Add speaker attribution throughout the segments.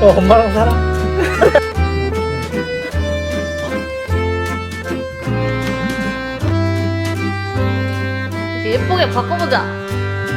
Speaker 1: 엄마랑 살아.
Speaker 2: 예쁘게 바꿔보자.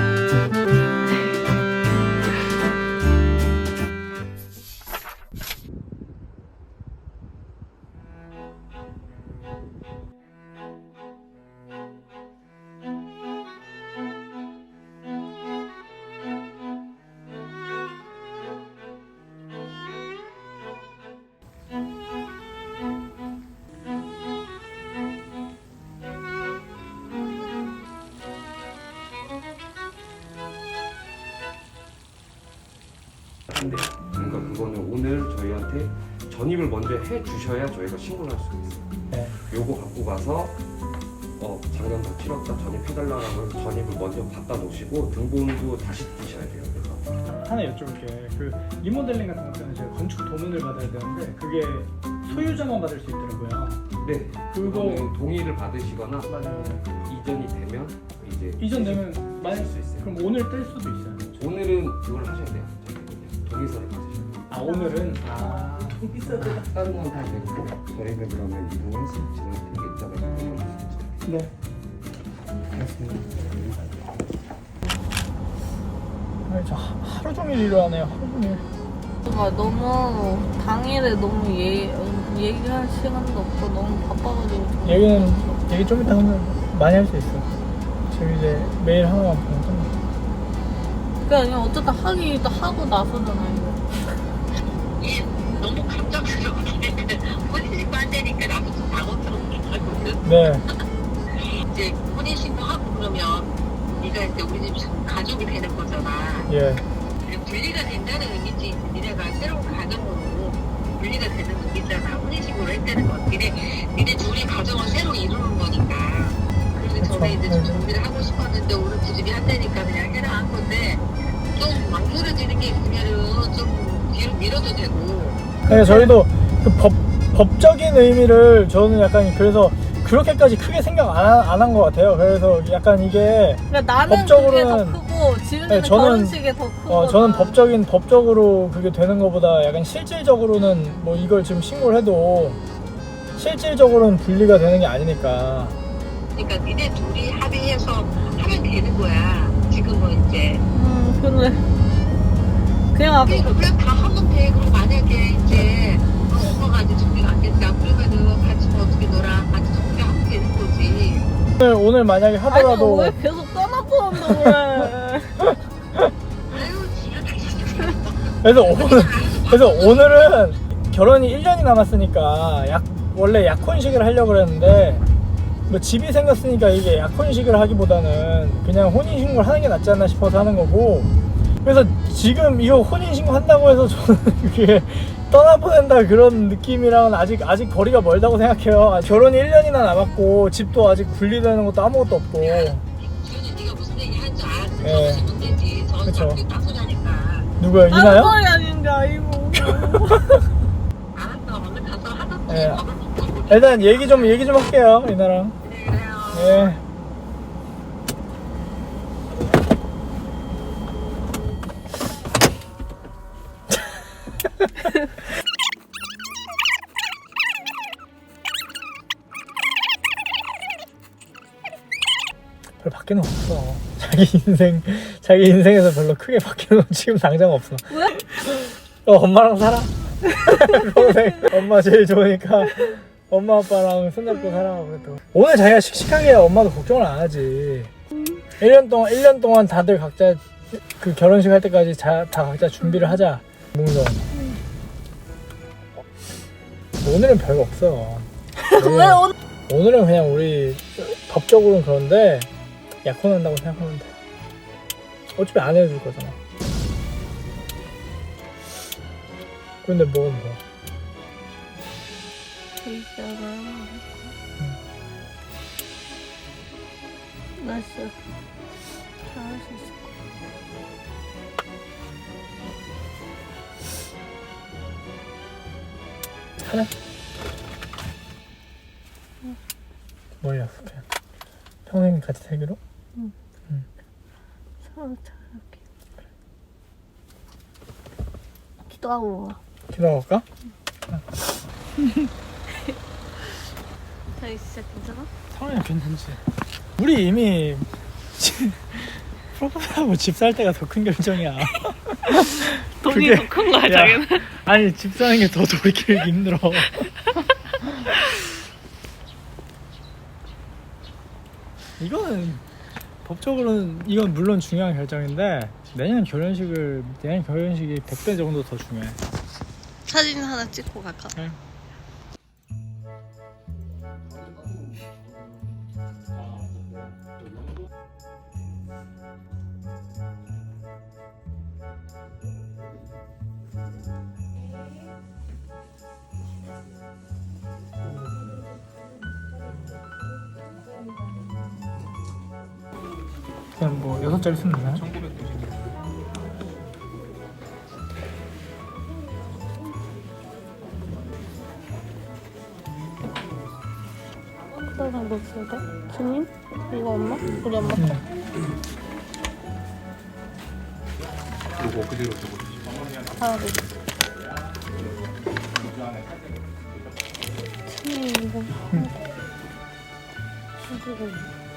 Speaker 3: 안 돼요. 그러니까 그거는 오늘 저희한테 전입을 먼저 해 주셔야 저희가 신고를 할 수가 있어요.
Speaker 1: 네.
Speaker 3: 요거 갖고 가서 작년 다 치렀다 전입해달라고 해서 전입을 먼저 갖다 놓으시고 등본도 다시 띄셔야 돼요. 그래서
Speaker 1: 하나 여쭤볼게. 그 리모델링 같은 것들은 제가 건축 도면을 받아야 되는데 그게 소유자만 받을 수 있더라고요.
Speaker 3: 네, 그거는 동의를 받으시거나
Speaker 1: 맞아요.
Speaker 3: 이전이 되면 이제
Speaker 1: 이전 되면
Speaker 3: 쓸 수 있어요.
Speaker 1: 그럼 오늘 뜰 수도 있어요.
Speaker 3: 오늘은 그걸 하셔야 돼요. 동의서를 받으셔야 돼요.
Speaker 1: 아 오늘은
Speaker 3: 다른 건 다 됐고 저희는 그러면 이동해서 진행을 이따가 보여주겠습니다.
Speaker 1: 네. 아니, 저 하루 종일 일하네요. 하루 종일.
Speaker 2: 너무 당일에 너무 얘기할 시간도 없고 너무 바빠가지고 좀
Speaker 1: 얘기 좀 이따 하면 많이 할 수 있어. 지금 이제 매일 하나만 보면 끝나.
Speaker 2: 그게 아니라 어쨌든 하기도 하고 나서잖아요.
Speaker 4: 너무 감정스러운데 혼인신고 한다니까 나도 좀 당황스럽게 하거든.
Speaker 1: 네.
Speaker 4: 이제 혼인신고 하고 그러면 네가 이제 우리 집 가족이 되는 거잖아.
Speaker 1: 예.
Speaker 4: 그리고 분리가 된다는 의미지. 니네가 새로운 가정으로 분리가 되는 의미잖아. 혼인신고를 했다는 건 니네 둘이 가정을 새로 이루는 거니까. 그래서 전에 이제 좀 준비를 하고 싶었는데 오늘 부집이 한다니까 그냥 해라 한 건데 좀 망설여지는 게 있으면은 좀 뒤로 밀어도 되고.
Speaker 1: 네, 저희도 그 법적인 의미를 저는 약간 그래서 그렇게까지 크게 생각 안 한 것 같아요. 그래서 약간 이게
Speaker 2: 그러니까 나는 그게 더 크고 지은이는
Speaker 1: 네,
Speaker 2: 결혼식이 더 크고
Speaker 1: 저는 법적으로 그게 되는 것보다 약간 실질적으로는 뭐 이걸 지금 신고를 해도 실질적으로는 분리가 되는 게 아니니까.
Speaker 4: 그러니까 니네 둘이 합의해서 하면 되는 거야. 지금은 이제.
Speaker 2: 그래. 그냥 아까
Speaker 4: 그냥 다 하면 돼. 그럼 만약에 이제 엄마가 이제 준비가 안 됐다. 그러면은 같이 뭐 어떻게 놀아. 같이 정리하면 되는 거지.
Speaker 1: 오늘 만약에 하더라도
Speaker 2: 아니 왜 계속 떠나보는데 그래.
Speaker 4: 아유 지금
Speaker 1: 그래서 오늘은 결혼이 1년이 남았으니까 원래 약혼식을 하려고 그랬는데 뭐 집이 생겼으니까 이게 약혼식을 하기보다는 그냥 혼인신고를 하는 게 낫지 않나 싶어서 하는 거고, 그래서 지금 이거 혼인신고 한다고 해서 저는 그게 떠나보낸다 그런 느낌이랑은 아직 거리가 멀다고 생각해요. 결혼이 1년이나 남았고 집도 아직 분리되는 것도 아무것도 없고.
Speaker 4: 지훈이 네가 무슨 얘기 하는지 알았어.
Speaker 1: 예.
Speaker 4: 적으면 되지.
Speaker 1: 그쵸.
Speaker 4: 저한테 따소리하니까.
Speaker 1: 누구요?
Speaker 2: 다른
Speaker 1: 이나요?
Speaker 2: 소리 아닌데 아이고.
Speaker 4: 알았어. 얼른 가서 하던지
Speaker 1: 예.
Speaker 4: 밥을 먹고.
Speaker 1: 일단 얘기 좀 할게요, 이나랑.
Speaker 4: 그래요.
Speaker 1: 예. 별 바뀌는 거 없어. 자기 인생에서 별로 크게 바뀌는 건 지금 당장 없어.
Speaker 2: 왜?
Speaker 1: 엄마랑 살아. 평생 엄마 제일 좋으니까 엄마 아빠랑 손잡고 살아. 그래도 오늘 자기가 씩씩하게 해야 엄마도 걱정을 안 하지. 1년 동안 다들 각자 그 결혼식 할 때까지 다 각자 준비를 하자. 몽정. 오늘은 별거 없어.
Speaker 2: 왜 오늘
Speaker 1: 오늘은 그냥 우리 법적으로는 그런데 약혼한다고 생각하면 돼. 어차피 안 해줄 거잖아. 근데 뭐는 뭐?
Speaker 2: 나 진짜 잘할 수 있을 거야.
Speaker 1: 하나? 뭘 약속해? 평생 같이 살기로?
Speaker 2: 서로 잘할게. 기도하고.
Speaker 1: 기도할까?
Speaker 2: 자기 진짜 괜찮아?
Speaker 1: 상황이 괜찮지. 우리 이미 프로포즈하고 집 살 때가 더 큰 결정이야.
Speaker 2: 돈이
Speaker 1: 그게-
Speaker 2: 더 큰 거야,
Speaker 1: 야,
Speaker 2: 자기는.
Speaker 1: 아니 집 사는 게 더 돌이키기 힘들어. 이거는 법적으로는 이건 물론 중요한 결정인데 내년 결혼식이 100배 정도 더 중요해.
Speaker 2: 사진 하나 찍고 갈까?
Speaker 1: 네. 그냥 뭐 6자리 쓰면 되나요? 1990.
Speaker 2: 그다음 뭐 써야 돼? 주님? 이거 엄마? 우리 엄마?
Speaker 3: 요거 그대로 적어주시고.
Speaker 2: 아, 네. 주님 이거. 이거.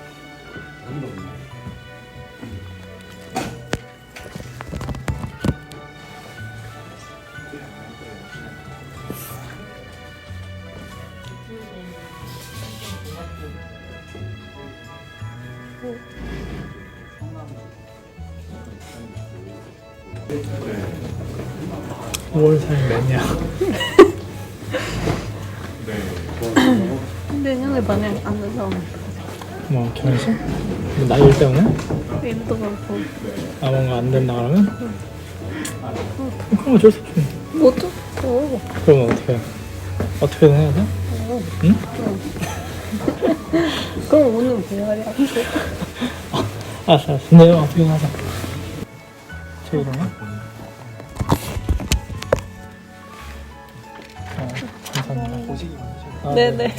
Speaker 3: 네.
Speaker 1: 5월 4일 매니아.
Speaker 3: 네.
Speaker 2: 내년에 만약 안 된다고.
Speaker 1: 뭐 결혼식? 뭐 나이 때문에?
Speaker 2: 일도 많고.
Speaker 1: 아 뭔가 안 된다 그러면? 그럼 어쩔 수 없지.
Speaker 2: 뭐죠?
Speaker 1: 그럼 어떻게 해? 어떻게든 해야 돼? 응?
Speaker 2: 그럼 오늘 배열이 할게.
Speaker 1: 알았어. 내일 어떻게든 하자. 저 그러면? 감사합니다. 보시기 많으시고.
Speaker 2: 네네.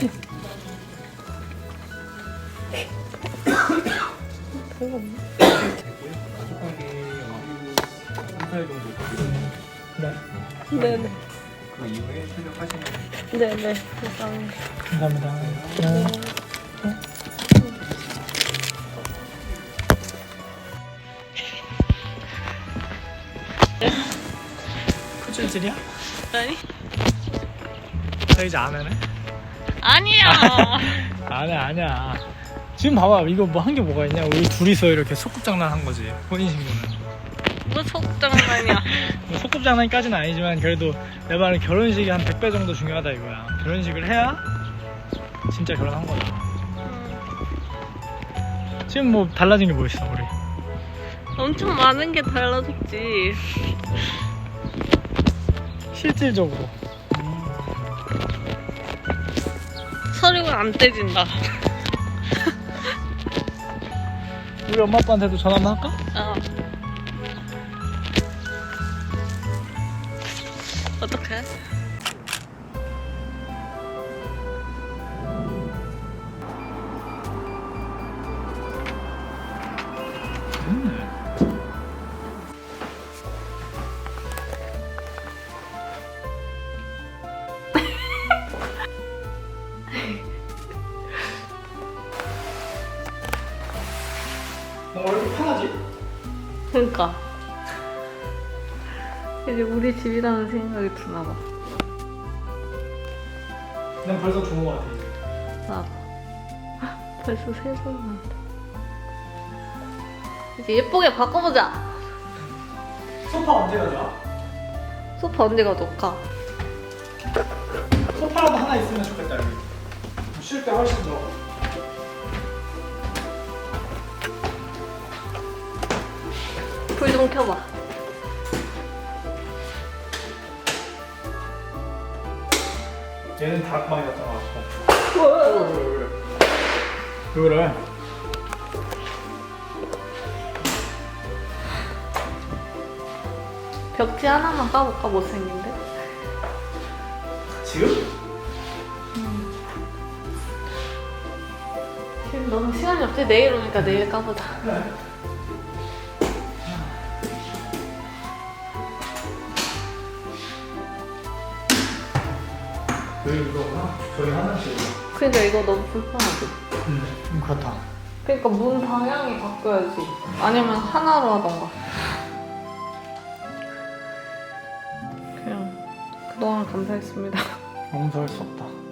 Speaker 1: 네.
Speaker 2: 네네.
Speaker 3: 그 이후에 출력하시면
Speaker 2: 네네. 감사합니다.
Speaker 1: 감사합니다. 네. 후줄질이야?
Speaker 2: 아니?
Speaker 1: 저 이제 안 하네?
Speaker 2: 아니야.
Speaker 1: 아니야. 지금 봐봐. 이거 뭐 한 게 뭐가 있냐? 우리 둘이서 이렇게 소꿉장난 한 거지. 혼인신고는.
Speaker 2: 뭐 속장난이야.
Speaker 1: 뭐 소꿉장난까지는 아니지만 그래도 내 말은 결혼식이 한 100배 정도 중요하다 이거야. 결혼식을 해야 진짜 결혼한 거다. 지금 뭐 달라진 게 뭐 있어 우리?
Speaker 2: 엄청 많은 게 달라졌지.
Speaker 1: 실질적으로
Speaker 2: 서류가 안 떼진다.
Speaker 1: 우리 엄마 아빠한테도 전화 한번 할까?
Speaker 2: 어. 어떡해?
Speaker 1: 왜 이렇게 편하지?
Speaker 2: 그러니까 이제 우리 집이라는 생각이 드나 봐.
Speaker 1: 난 벌써 좋은 거 같아 이제.
Speaker 2: 나도. 벌써 세살 난다. 이제 예쁘게 바꿔보자.
Speaker 1: 소파 언제 가져와?
Speaker 2: 소파 언제 가져올까?
Speaker 1: 소파라도 하나 있으면 좋겠다 여기. 쉴 때 훨씬 좋아.
Speaker 2: 불 좀 켜봐.
Speaker 1: 얘는 닭 많이 갔다 와서. 왜 그래?
Speaker 2: 벽지 하나만 까볼까? 못생긴데?
Speaker 1: 지금?
Speaker 2: 지금 너무 시간이 없지? 내일 오니까 내일 까보자.
Speaker 1: 여기 이거구나. 저기 화장실.
Speaker 2: 그러니까 이거 너무 불편하지.
Speaker 1: 그렇다.
Speaker 2: 그러니까 문 방향이 바뀌어야지. 아니면 하나로 하던가. 그냥 그동안 감사했습니다.
Speaker 1: 용서할 수 없다.